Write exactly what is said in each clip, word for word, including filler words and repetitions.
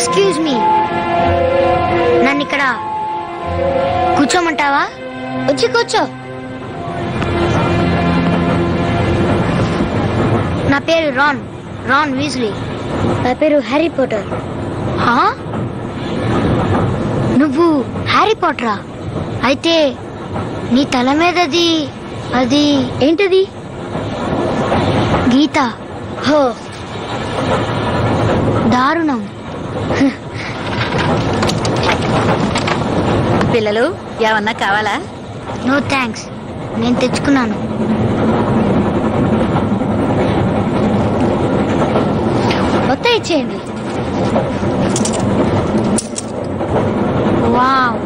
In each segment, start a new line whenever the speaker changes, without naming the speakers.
Excuse me, నన్ను ఇక్కడ కూర్చోమంటావా? వచ్చి కూర్చో. నా పేరు రాన్ రాన్ వీజ్లీ. నా పేరు హ్యారీ పాటర్. హా? నువ్వు హ్యారీ పాటరా? అయితే నీ తల మీదది అది ఏంటది? గీత. హో, దారుణం.
పిల్లలు ఏమన్నా కావాలా?
నో థ్యాంక్స్, నేను తెచ్చుకున్నాను. మొత్తం ఇచ్చేయండి. వావ్,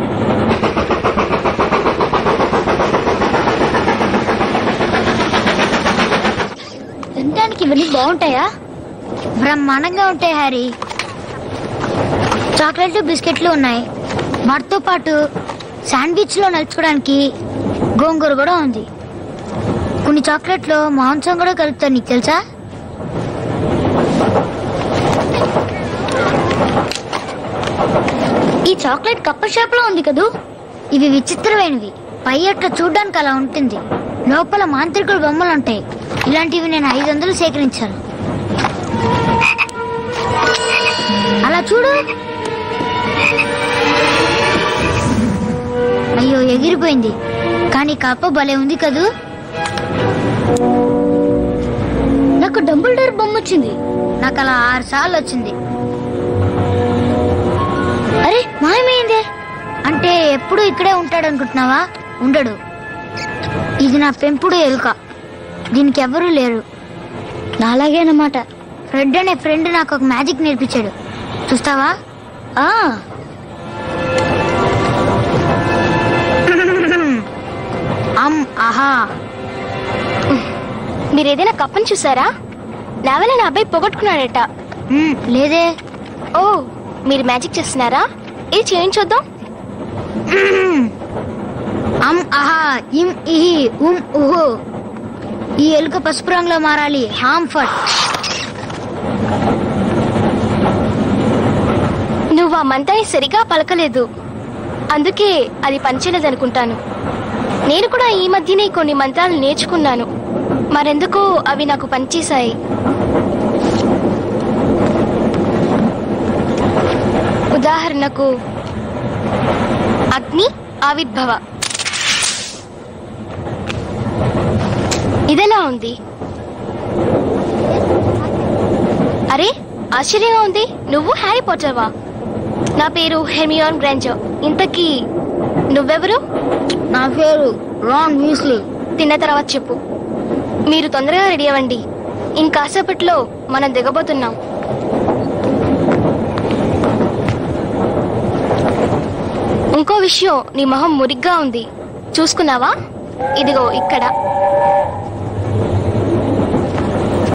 తినడానికి ఇవన్నీ బాగుంటాయా? బ్రహ్మాండంగా ఉంటాయి హ్యారీ. చాక్లెట్లు బిస్కెట్లు ఉన్నాయి. వాటితో పాటు శాండ్విచ్ లో నలుచుకోవడానికి గోంగూర కూడా ఉంది. కొన్ని చాక్లెట్లో మాంసం కూడా కలుపుతారు, నీకు తెలుసా? ఈ చాక్లెట్ కప్ప షాప్ లో ఉంది కదూ. ఇవి విచిత్రమైనవి. పై అట్లా చూడ్డానికి అలా ఉంటుంది, లోపల మాంత్రికుల బొమ్మలు ఉంటాయి. ఇలాంటివి నేను ఐదు వందలు సేకరించాను. అలా చూడు. అయ్యో, ఎగిరిపోయింది. కానీ కప్ప భలే ఉంది కదూ. నాకు డంబుల్ డోర్ బొమ్మ వచ్చింది. నాకు అలా ఆరు సార్లు వచ్చింది. అరే, మాయమైందే. అంటే ఎప్పుడు ఇక్కడే ఉంటాడు అనుకుంటున్నావా? ఉండడు. ఇది నా పెంపుడు ఎలుక. దీనికి ఎవరూ లేరు. నాలాగేనమాట. ఫ్రెడ్ అనే ఫ్రెండ్ నాకు ఒక మ్యాజిక్ నేర్పించాడు. చూస్తావా? ఆ అమ్ ఆహా.
మీరు ఏదైనా కప్పని చూసారా? నా వల్ల నా అబ్బాయి పోగొట్టుకున్నాడట.
లేదే.
ఓ, మీరు మ్యాజిక్ చేస్తున్నారా? ఇది చేయించొద్దాం.
అమ్ ఆహా ఇమ్ ఇహి ఉమ్ ఉహు. ఈ ఎలుక పసుపు రంగులో మారాలి. హాంఫర్ట్.
నువ్వు ఆ మంత్రాన్ని సరిగా పలకలేదు, అందుకే అది పనిచేయలేదనుకుంటాను. నేను కూడా ఈ మధ్యనే కొన్ని మంత్రాలు నేర్చుకున్నాను. మరెందుకో అవి నాకు పనిచేశాయి. ఉదాహరణకు అగ్ని ఆవిర్భవ. ఇదెలా ఉంది? అరే, ఆశ్చర్యంగా ఉంది. నువ్వు హ్యారీ పాటర్వా? నా పేరు హెర్మియోన్ గ్రాంజర్. ఇంతకీ నువ్వెవరు?
నా పేరు రాన్ వీస్లీ.
తిన్న తర్వాత చెప్పు. మీరు తొందరగా రెడీ అవ్వండి, ఇంకాసేపట్లో మనం దిగబోతున్నాం. ఇంకో విషయం, నీ మొహం మురిగ్గా ఉంది. చూసుకున్నావా? ఇదిగో ఇక్కడ.